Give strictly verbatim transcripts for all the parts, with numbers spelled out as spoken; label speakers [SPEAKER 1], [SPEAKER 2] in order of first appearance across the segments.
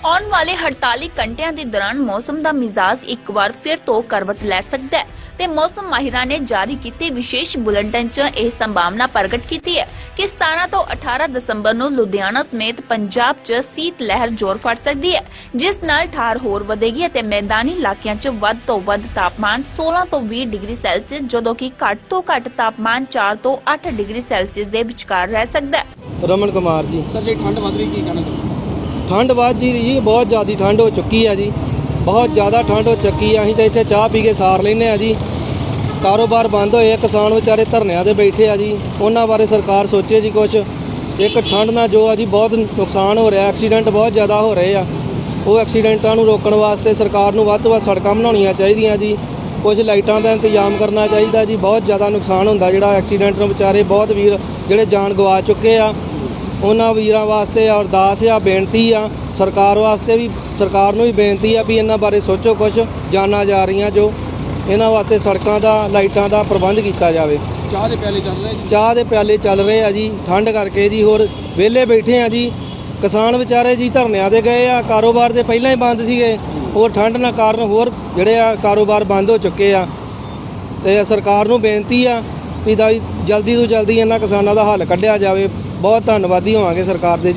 [SPEAKER 1] ਆਉਣ ਵਾਲੇ अड़तालीस ਘੰਟਿਆਂ ਦੇ ਦੌਰਾਨ ਮੌਸਮ ਦਾ ਮਿਜ਼ਾਜ ਇੱਕ ਵਾਰ ਫਿਰ ਤੋਂ ਕਰਵਟ ਲੈ ਸਕਦਾ ਹੈ ਤੇ ਮੌਸਮ ਮਾਹਿਰਾਂ ਨੇ ਜਾਰੀ ਕੀਤੇ ਵਿਸ਼ੇਸ਼ ਬੁਲੇਟਿਨ 'ਚ ਇਹ ਸੰਭਾਵਨਾ ਪ੍ਰਗਟ ਕੀਤੀ ਹੈ ਕਿ ਸਤਾਰਾਂ ਤੋਂ ਅਠਾਰਾਂ ਦਸੰਬਰ ਨੂੰ ਲੁਧਿਆਣਾ ਸਮੇਤ ਪੰਜਾਬ 'ਚ ਸੀਤ ਲਹਿਰ ਜ਼ੋਰ ਫੜ ਸਕਦੀ ਹੈ, ਜਿਸ ਨਾਲ ਠਾਰ ਹੋਰ ਵਧੇਗੀ ਅਤੇ ਮੈਦਾਨੀ ਇਲਾਕਿਆਂ 'ਚ ਵੱਧ ਤੋਂ ਵੱਧ ਤਾਪਮਾਨ सोलह ਤੋਂ ਵੀਹ ਡਿਗਰੀ ਸੈਲਸੀਅਸ, ਜਦੋਂ ਕਿ ਘੱਟ ਤੋਂ ਘੱਟ ਤਾਪਮਾਨ ਚਾਰ ਤੋਂ ਅੱਠ ਡਿਗਰੀ ਸੈਲਸੀਅਸ ਦੇ ਵਿਚਕਾਰ ਰਹਿ ਸਕਦਾ ਹੈ।
[SPEAKER 2] ਰਮਨ ਕੁਮਾਰ ਜੀ।
[SPEAKER 3] ਸਰ ਜੀ ਠੰਡ ਵਧ ਰਹੀ, ਕੀ ਕਹਿਣਾ ਚਾਹੁੰਦੇ?
[SPEAKER 2] ठंड बात जी जी बहुत ज़्यादा ठंड हो चुकी है जी, बहुत ज़्यादा ठंड हो चुकी है। असीं तो इत्थे चाह पी के सार लैंदे आ जी। कारोबार बंद होए, किसान बेचारे धरनिਆਂ ते बैठे आ जी, उन्हां बारे सरकार सोचे जी कुछ। एक ठंड नाल जो आ जी बहुत नुकसान हो रहा, एक्सीडेंट बहुत ज़्यादा हो रहे आ। वो एक्सीडेंटां नूं रोकण वास्ते सरकार नूं वध तो वध सड़कां बनाउणीਆਂ ਚਾਹੀਦੀਆਂ जी, कुछ लाइटां दा इंतजाम करना चाहिए जी। बहुत ज़्यादा नुकसान होंदा जिहड़ा एक्सीडेंट नूं बेचारे बहुत वीर जिहड़े जान गवा चुके आ, उन्हां वीरां वास्ते अरदास आ, बेनती आ। सरकार वास्ते भी सरकार नूं भी बेनती आ भी इन्हां बारे सोचो, कुछ जाना जा रही जो इन्हां वास्ते सड़कां दा लाइटां दा प्रबंध किया जाए।
[SPEAKER 3] ਚਾਹ ਦੇ ਪਿਆਲੇ ਚੱਲ ਰਹੇ ਜੀ,
[SPEAKER 2] चाह दे प्याले चल रहे आ जी ठंड करके जी। होर वेले बैठे आ जी, किसान विचारे जी धरनिਆਂ ते गए आ, कारोबार ते पहलां ही बंद सीगे, होर ठंड ना कारण होर जिहड़े आ कारोबार बंद हो चुके आ। ते सरकार नूं बेनती आ भी दा जल्दी तो जल्दी इन्हां किसानां दा हल कढिया जाए। बहुत धन्नवादी होवांगे सरकार दे जी।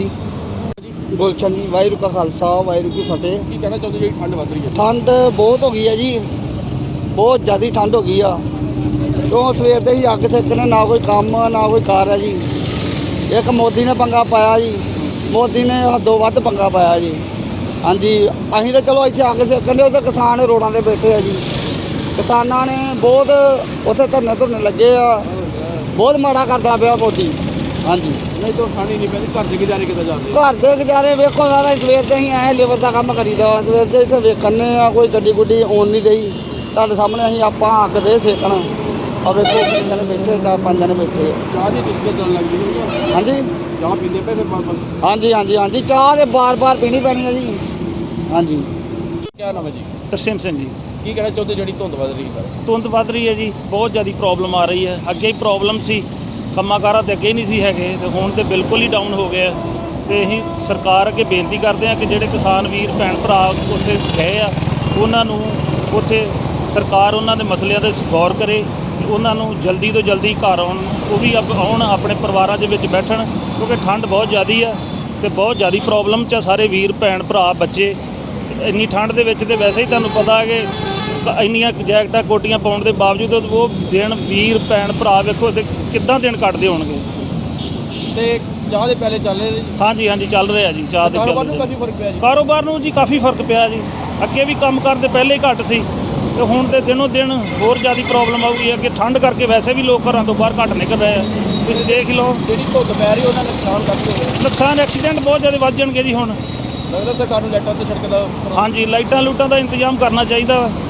[SPEAKER 4] गुलशन जी, वाहिगुरू का खालसा वाहिगुरू की फतेह।
[SPEAKER 3] ਕੀ ਕਹਿਣਾ ਚਾਹੁੰਦੇ ਜਿਹੜੀ ਠੰਡ ਵਧ ਰਹੀ ਹੈ?
[SPEAKER 4] ठंड बहुत हो गई है जी, बहुत ज़्यादा ठंड हो गई आ। तो सवेर ਦੇ ही ਅੱਗ ਸੇਕਣੇ, ਨਾ ਕੋਈ ਕੰਮ ਨਾ ਕੋਈ ਕਾਰ ਹੈ ਜੀ। ਇੱਕ ਮੋਦੀ ਨੇ ਪੰਗਾ ਪਾਇਆ ਜੀ, ਮੋਦੀ ਨੇ ਹੱਦੋਂ ਵੱਧ ਪੰਗਾ ਪਾਇਆ ਜੀ। ਹਾਂਜੀ, ਅਸੀਂ ਤਾਂ ਚਲੋ ਇੱਥੇ ਅੱਗ ਸੇਕਣੇ, ਉੱਥੇ ਕਿਸਾਨ ਰੋਡਾਂ 'ਤੇ ਬੈਠੇ ਆ ਜੀ। ਕਿਸਾਨਾਂ ਨੇ ਬਹੁਤ ਉੱਥੇ ਧਰਨੇ ਧੁਰਨੇ ਲੱਗੇ ਆ, ਬਹੁਤ ਮਾੜਾ ਕਰਦਾ ਪਿਆ ਮੋਦੀ। ਹਾਂਜੀ,
[SPEAKER 3] ਨਹੀਂ ਤਾਂ ਖਾਣੀ ਨਹੀਂ ਪੈਂਦੀ, ਘਰ ਦੇ ਗੁਜ਼ਾਰੇ ਕਿੱਦਾਂ ਜਾਂਦੇ?
[SPEAKER 4] ਘਰ ਦੇ ਗੁਜ਼ਾਰੇ ਵੇਖੋ ਸਾਰਾ ਸਵੇਰ ਤੇ ਅਸੀਂ ਆਏ ਲੇਬਰ ਦਾ ਕੰਮ ਕਰੀਦਾ, ਸਵੇਰ ਦੇ ਇੱਥੇ ਵੇਖਣੇ ਆ, ਕੋਈ ਗੱਡੀ ਗੁੱਡੀ ਆਉਣ ਨਹੀਂ ਰਹੀ। ਤੁਹਾਡੇ ਸਾਹਮਣੇ ਅਸੀਂ ਆਪਾਂ ਅੱਗ ਦੇ ਸੇਕਣਾ, ਆ ਵੇਖੋ ਕਿੰਨੇ ਜਣੇ ਬੈਠੇ, ਚਾਰ ਪੰਜ ਜਣੇ ਬੈਠੇ।
[SPEAKER 3] ਚਾਹ ਦੀ ਡਿਸਕਸ ਚੱਲਣ ਲੱਗ ਗਈ ਹੈ।
[SPEAKER 4] ਹਾਂਜੀ
[SPEAKER 3] ਚਾਹ ਪੀਂਦੇ ਪਏ ਫਿਰ ਬਾਰ-ਬਾਰ?
[SPEAKER 4] ਹਾਂਜੀ ਹਾਂਜੀ ਹਾਂਜੀ ਚਾਹ ਤੇ ਬਾਰ-ਬਾਰ ਪੀਣੀ ਪੈਣੀ ਹੈ ਜੀ। ਹਾਂਜੀ।
[SPEAKER 3] ਕੀ ਨਾਮ ਹੈ ਜੀ?
[SPEAKER 5] ਤਰਸੇਮ ਸਿੰਘ ਜੀ।
[SPEAKER 3] ਕੀ ਕਹਿਣਾ ਚਾਹੁੰਦੇ ਜਿਹੜੀ ਧੁੰਦ ਵਧ ਰਹੀ ਸਰ?
[SPEAKER 5] ਧੁੰਦ ਵੱਧ ਰਹੀ ਹੈ ਜੀ, ਬਹੁਤ ਜ਼ਿਆਦਾ ਪ੍ਰੋਬਲਮ ਆ ਰਹੀ ਹੈ। ਅੱਗੇ ਹੀ ਪ੍ਰੋਬਲਮ ਸੀ, ਕੰਮਾਂ ਕਾਰਾਂ ਤੇ ਅੱਗੇ ਨਹੀਂ ਸੀ ਹੈਗੇ, ਤੇ ਹੁਣ ਤੇ ਬਿਲਕੁਲ ਹੀ ਡਾਊਨ ਹੋ ਗਿਆ। ਤੇ ਅਸੀਂ ਸਰਕਾਰ ਅੱਗੇ ਬੇਨਤੀ ਕਰਦੇ ਹਾਂ ਕਿ ਜਿਹੜੇ ਕਿਸਾਨ ਵੀਰ ਭੈਣ ਭਰਾ ਉੱਥੇ ਗਏ ਆ, ਉਹਨਾਂ ਨੂੰ ਉੱਥੇ ਸਰਕਾਰ ਉਹਨਾਂ ਦੇ ਮਸਲਿਆਂ 'ਤੇ ਗੌਰ ਕਰੇ, ਉਹਨਾਂ ਨੂੰ ਜਲਦੀ ਤੋਂ ਜਲਦੀ ਘਰ ਆਉਣ, ਉਹ ਵੀ ਆਪ ਆਉਣ, ਆਪਣੇ ਪਰਿਵਾਰਾਂ ਦੇ ਵਿੱਚ ਬੈਠਣ, ਕਿਉਂਕਿ ਠੰਡ ਬਹੁਤ ਜ਼ਿਆਦਾ ਆ ਅਤੇ ਬਹੁਤ ਜ਼ਿਆਦਾ ਪ੍ਰੋਬਲਮ 'ਚ ਆ ਸਾਰੇ ਵੀਰ ਭੈਣ ਭਰਾ ਬੱਚੇ। ਇੰਨੀ ਠੰਡ ਦੇ ਵਿੱਚ ਤੇ ਵੈਸੇ ਹੀ ਤੁਹਾਨੂੰ ਪਤਾ ਹੈ ਕਿ ਇੰਨੀਆਂ ਜੈਕਟਾਂ ਕੋਟੀਆਂ ਪਾਉਣ ਦੇ ਬਾਵਜੂਦ ਉਹ ਦਿਨ ਵੀਰ ਭੈਣ ਭਰਾ ਵੇਖੋ ਤੇ ਕਿੱਦਾਂ ਦਿਨ ਕੱਟਦੇ ਹੋਣਗੇ।
[SPEAKER 3] ਤੇ ਚਾਹ ਦੇ ਪਿਆਲੇ ਚੱਲ ਰਹੇ ਜੀ?
[SPEAKER 5] ਹਾਂਜੀ ਹਾਂਜੀ ਚੱਲ ਰਿਹਾ ਜੀ। ਚਾਹ ਦੇ
[SPEAKER 3] ਕਾਰੋਬਾਰ ਨੂੰ ਕਾਫੀ ਫਰਕ ਪਿਆ ਜੀ?
[SPEAKER 5] ਕਾਰੋਬਾਰ ਨੂੰ ਜੀ ਕਾਫੀ ਫਰਕ ਪਿਆ ਜੀ। ਅੱਗੇ ਵੀ ਕੰਮ ਕਰਦੇ ਪਹਿਲੇ ਹੀ ਘੱਟ ਸੀ, ਤੇ ਹੁਣ ਤੇ ਦਿਨੋਂ ਦਿਨ ਹੋਰ ਜ਼ਿਆਦਾ ਪ੍ਰੋਬਲਮ ਆਊਗੀ। ਅੱਗੇ ਠੰਡ ਕਰਕੇ ਵੈਸੇ ਵੀ ਲੋਕ ਘਰਾਂ ਤੋਂ ਬਾਹਰ ਘੱਟ ਨਿਕਲ ਰਹੇ ਆ, ਤੁਸੀਂ ਦੇਖ ਲਓ।
[SPEAKER 3] ਜਿਹੜੀ ਧੁੰਦ ਪੈ ਰਹੀ ਉਹਨਾਂ ਨੁਕਸਾਨ ਕਰਦੇ ਹੋਏ
[SPEAKER 5] ਨੁਕਸਾਨ ਐਕਸੀਡੈਂਟ ਬਹੁਤ ਜ਼ਿਆਦਾ ਵੱਧ ਜਾਣਗੇ ਜੀ ਹੁਣ।
[SPEAKER 3] ਲੱਗਦਾ ਸਰਕਾਰ ਨੂੰ ਲਾਈਟਾਂ ਤੇ ਸੜਕ ਦਾ
[SPEAKER 5] ਹਾਂਜੀ, ਲਾਈਟਾਂ ਲੂਟਾਂ ਦਾ ਇੰਤਜ਼ਾਮ ਕਰਨਾ ਚਾਹੀਦਾ ਵਾ।